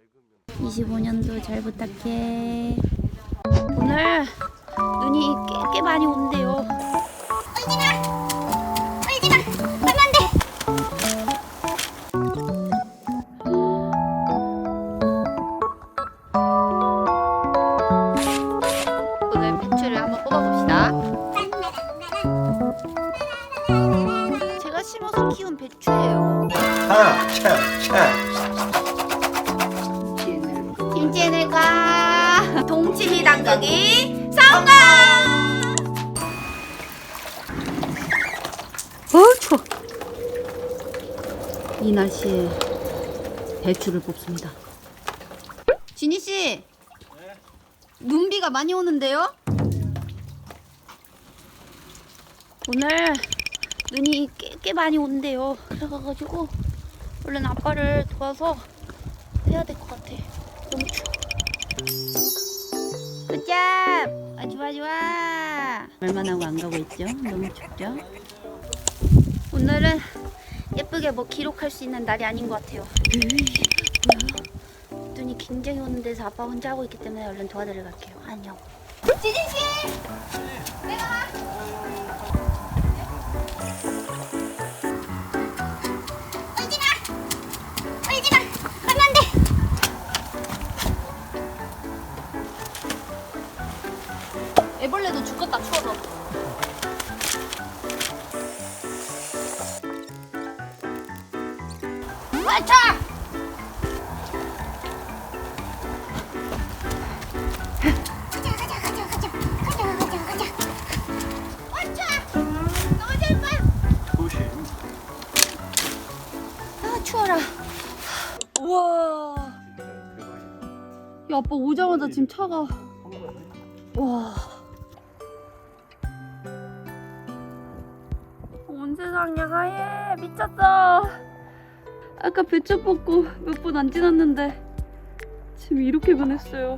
25년도 잘 부탁해. 오늘 눈이 꽤 많이 온대요. 울지마! 울지마! 하면 안 돼! 오늘 배추를 한번 뽑아봅시다. 제가 심어서 키운 배추예요. 김치애들과 동치미 담그기 성공! 추워. 이 날씨에 배추를 뽑습니다. 진희 씨, 눈비가 많이 오는데요? 오늘 눈이 꽤 많이 온대요. 그래가지고 얼른 아빠를 도와서 해야 될 것 같아. 너무 추워. 굿잡! 아, 좋아 좋아. 얼마나 하고 안 가고 있죠? 너무 춥죠? 오늘은 예쁘게 뭐 기록할 수 있는 날이 아닌 것 같아요. 뭐야? 눈이 굉장히 오는 데서 아빠 혼자 하고 있기 때문에 얼른 도와드리러 갈게요. 안녕. 지진씨! 내가 와! 울지마! 울지마! 하면 안 돼! 애벌레도 죽겠다 추워서. 맞춰! 가자. 맞춰! 넘어질 거야! 조심. 아 추워라. 우와. 야 아빠 오자마자 지금 차가. 와. 온 세상에 하얘 미쳤어. 아까 배추 뽑고 몇 분 안 지났는데 지금 이렇게 변했어요.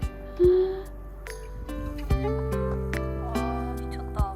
와 미쳤다.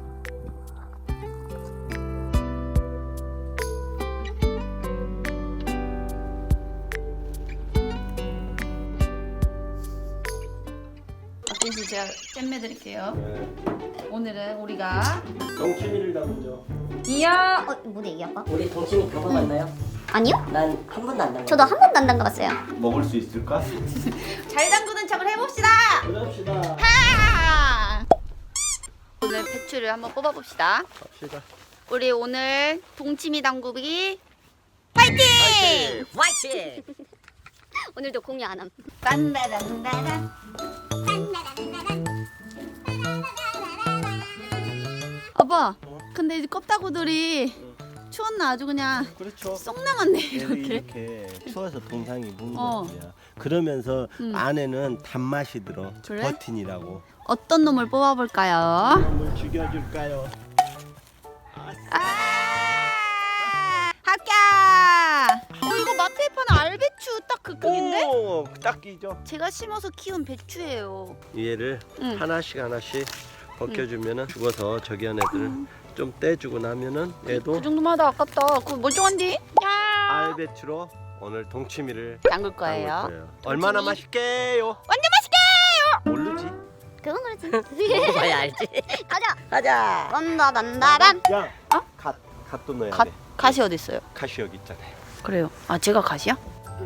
박진씨 제가 잼매 드릴게요. 오늘은 우리가 동치미를 담으죠. 이야 뭐래 이 아빠? 우리 동치미 경험했나요? 아니요? 난 한 번도 안 담가. 저도 한 번도 안 담가봤어요. 먹을 수 있을까? 잘 담그는 척을 해봅시다. 그럽시다. 하! 오늘 배추를 한번 뽑아봅시다. 갑시다. 우리 오늘 동치미 담그기 파이팅! 화이팅! 오늘도 공유 안 함. 딴다란다란. 아빠, 근데 이제 껍다구들이 추웠나 아주 그냥 그렇죠. 쏙 남았네 얘들이 이렇게. 이렇게 추워서 동상이 묵는 어. 거야. 그러면서 음. 안에는 단맛이 들어. 그래? 버틴이라고. 어떤 놈을 뽑아볼까요? 한번 죽여줄까요? 아! 합격! 이거 마트에 파는 알배추 딱 그 크기인데? 오, 딱 끼죠. 제가 심어서 키운 배추예요. 얘를 응. 하나씩 벗겨주면은 죽어서 저기 한 애들 좀 떼주고 나면은 얘도 그 정도만 하다 아깝다. 그거 멀쩡한디? 야! 알배추로 오늘 동치미를 담글 거예요. 담글 거예요. 얼마나 맛있게요? 완전 맛있게요! 모르지? 그건 그렇지. 먹어야 알지. 가자. 가자. 단다단다란. 야, 어? 갓도 넣어야 갓, 돼. 갓이 어디 있어요? 갓이 여기 있잖아요. 그래요. 아 제가 갓이야?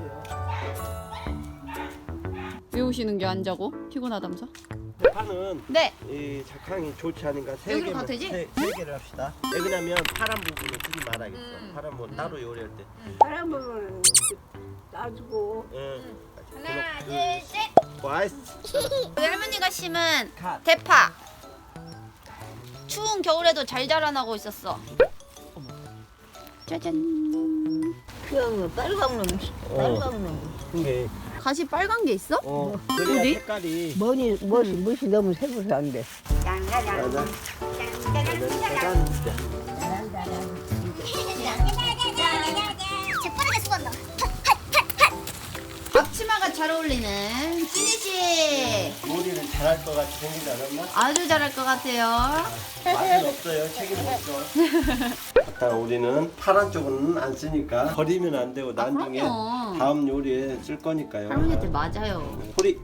왜 오시는 게 안 자고? 피곤하다면서? 파는 네. 이 작황이 좋지 않으니까 세 여기로 개만 가도 되지? 세 개를 합시다. 왜냐면 파란 부분은 쓰지 말아야겠어. 파란 부분 따로 요리할 때. 바람을 놔주고 응. 하나, 둘, 셋. 와이스. 우리 할머니가 심은 갓. 대파. 추운 겨울에도 잘 자라나고 있었어. 짜잔. 그냥 빨간 놈, 빨간 놈. 이게 갓이 빨간 게 있어? 그래야 어디? 색깔이 멋이 너무 새고서 안 돼. 맞아. 짜잔. 재빠르게 수건다. 앞치마가 잘 어울리는 찐이 씨. 요리를 잘할 것 같이 생기지 않았나? 아주 잘할 것 같아요. 맛은 없어요. 책임 없어. 아까 우리는 파란 쪽은 안 쓰니까 버리면 안 되고 나중에 그럼요. 다음 요리에 쓸 거니까요. 할머니한테 맞아요. 소리.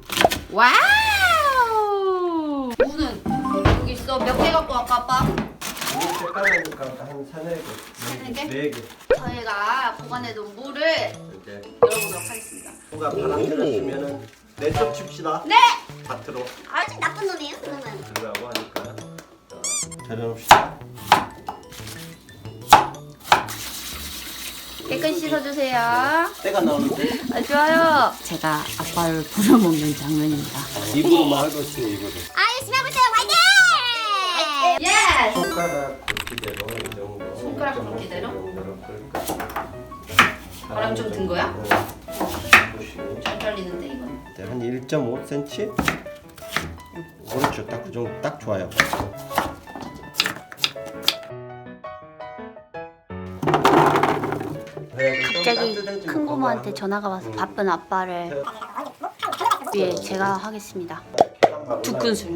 와우. 무는 여기 있어. 몇 개 갖고 왔까 아빠? 물 색깔이니까 한 3-4개. 세 개? 4개. 저희가 보관해둔 물을 이제 열어보도록 하겠습니다. 누가 바람 들었으면은 내쪽 칩시다. 네. 밭으로 아주 나쁜 놈이에요, 그러면. 들어가고 하니까. 자, 절여놓읍시다. 깨끗이 씻어주세요. 때가 나오는데 좋아요. 제가 아빠를 부려먹는 장면입니다. 입으로만 하고 있어요. 입으로. 아, 열심히 해보세요, 화이팅! 예스. 손가락 굵기대로 이 정도. 손가락 1.5 굵기대로? 정도로 끓일까? 바람 좀 든 거야? 보시면 잘 잘리는데 이건. 한 1.5cm? 그렇죠. 딱 그 정도 딱 좋아요. 갑자기 큰 고모한테 전화가 와서 바쁜 아빠를 위해 제가 하겠습니다. 두 큰술.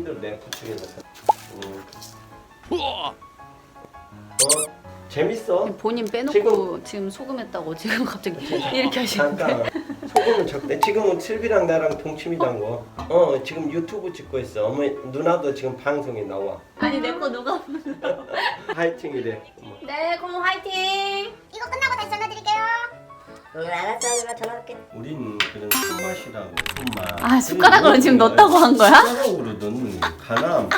재밌어. 본인 빼놓고 지금 소금했다고 지금 갑자기 이렇게 하시는데. 잠깐 소금은 적대. 지금은 슬비랑 나랑 동침이단 거. 지금 유튜브 찍고 있어. 어머니 누나도 지금 방송에 나와. 아니 내 거 누가? 화이팅이래. 네, 고모 화이팅. 이거 끝나고 다시 전화드릴게요. 알았어, 누나 전화할게. 우린 그런 손맛이라고 손맛. 아, 숟가락으로 지금 넣었다고 한 거야? 숟가락으로 넣는 가남.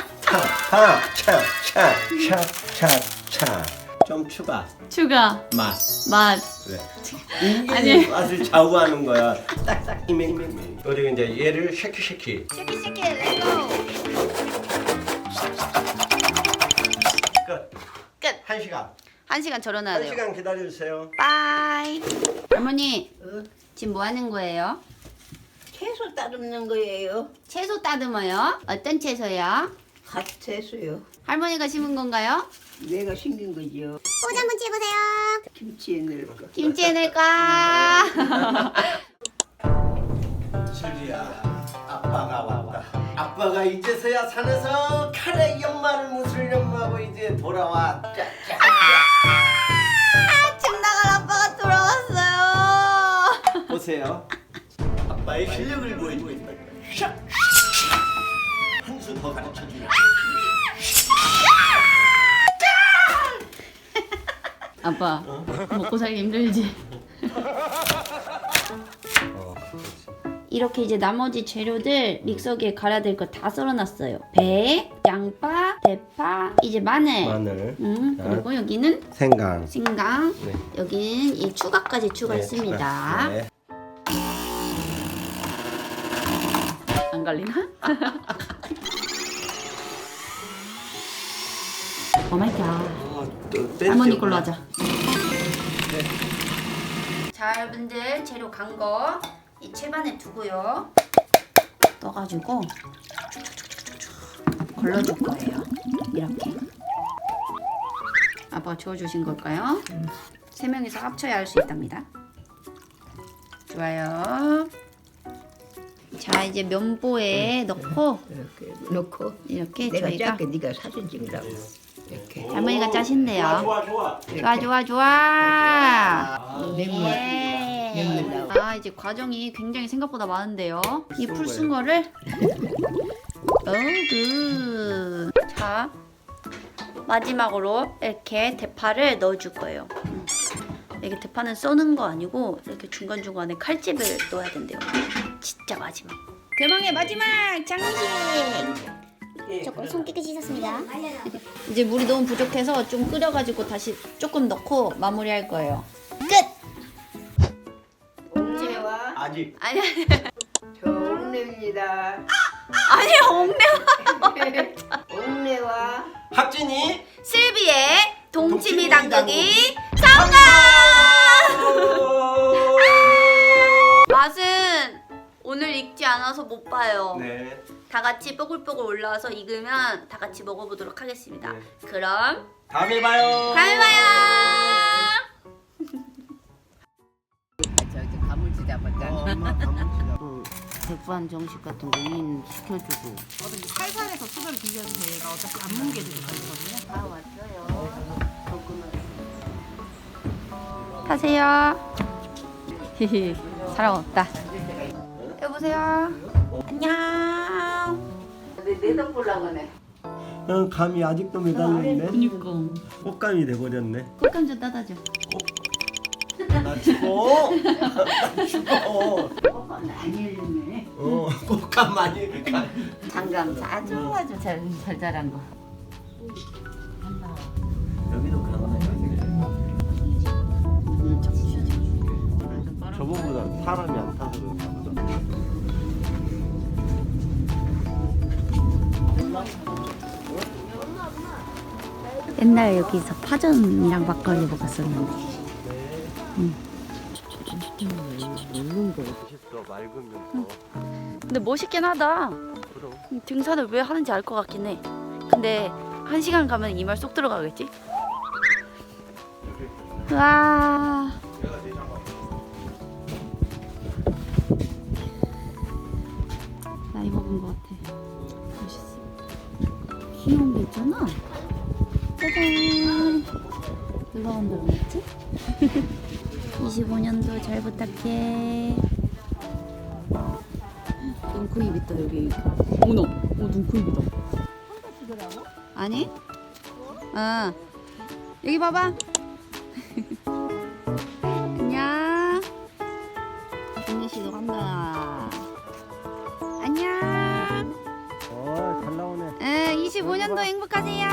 차차차차차 좀 추가 추가 맛. 맛. 그래. 이게 아니. 맛을 좌우하는 거야. 딱딱 힘이. 그리고 이제 얘를 쉐키쉐키. 쉐키쉐키 렛츠고. 끝. 끝. 1시간. 1시간 절여놔야 돼요. 1시간 기다려주세요. 빠이. 할머니 지금 뭐 하는 거예요? 채소 따듬는 거예요. 채소 따듬어요? 어떤 채소요? 갓 채소요. 할머니가 심은 건가요? 내가 심긴 거죠. 포즈 한번 취해보세요. 김치에 넣을 거. 김치에 넣을까? 슬비야, 아빠가 왔다. 아빠가 이제서야 산에서 카레 연마를 무슬려하고 이제 돌아왔다. 집 나갈 아빠가 돌아왔어요. 보세요. 아빠의 실력을 보여주고 있다. 한 수 더 가르쳐 주라. 아빠 먹고 살기 힘들지? 이렇게 이제 나머지 재료들 믹서기에 갈아야 될 거 다 썰어놨어요. 배, 양파, 대파, 이제 마늘. 마늘. 그리고 여기는 생강. 생강. 네. 여기는 이 추가까지 추가했습니다. 네. 안 갈리나? 오마이갓. 할머니 걸로 하자. 자, 여러분들 재료 간 거 이 채반에 두고요. 떠가지고 걸러줄 거예요. 이렇게. 아빠가 주워주신 걸까요? 3명이서 합쳐야 할 수 있답니다. 좋아요. 자, 이제 면보에 넣고 이렇게 넣고 이렇게 내가 저희가 작게 네가 사진 찍으라고. 이렇게. 할머니가 짜신대요. 좋아. 좋아. 맹물. 예. 맹물 나와. 아, 이제 과정이 굉장히 생각보다 많은데요. 이 풀 쓴 거를 굿. 자, 마지막으로 이렇게 대파를 넣어줄 거예요. 이게 대파는 써는 거 아니고 이렇게 중간중간에 칼집을 넣어야 된대요. 진짜 마지막. 대망의 마지막 장식. 조금 손 깨끗이 씻었습니다. 이제 물이 너무 부족해서 좀 끓여가지고 다시 조금 넣고 마무리할 거예요. 끝! 옥내와 아직. 아니 저 옥내입니다. 아니 옥내 옥내와 학진이. 슬비의 동치미 동치미 당덕이 성공! 맛은 오늘 익지 않아서 못 봐요. 네. 다 같이 뽀글뽀글 올라와서 익으면 다 같이 먹어보도록 하겠습니다. 네. 그럼 다음에 봐요. 다음에 봐요. 저기 가물치 잡았다. 엄마 가물치다. 백반 정식 같은 거 인 시켜주고. 살살해서 수저를 비벼주세요. 얘가 어차피 안 뭉개도 되거든요. 다 왔어요. 타세요. 히히, 사람 없다. 여보세요. 안녕. 내돈 보려고 하네. 감이 아직도 매달렸네. 그니까. 꽃감이 돼버렸네. 꽃감 좀 따다 줘. 나 죽어. 나 죽어. 안 열리네. 꽃감 많이. 장감 아주 잘 자란 거. 여기도 가나요? 저번보다 사람이 안 타서 그런가 보다. 옛날 여기서 파전이랑 막걸리 먹었었는데. 맛있어 맑으면서. 근데 멋있긴 하다. 그럼. 등산을 왜 하는지 알 것 같긴 해. 근데 1시간 가면 이 말 쏙 들어가겠지? 와. 나이 먹은 것 같아. 멋있어. 귀여운 게 있잖아. 짜잔. 누가 만들었지? 25년도 잘 부탁해. 눈코입 있다 여기. 어머나, 눈코입 있다. 아니? 아 여기 봐봐. 안녕. 언니 씨도 간다. 안녕. 잘 나오네. 25년도 행복하세요.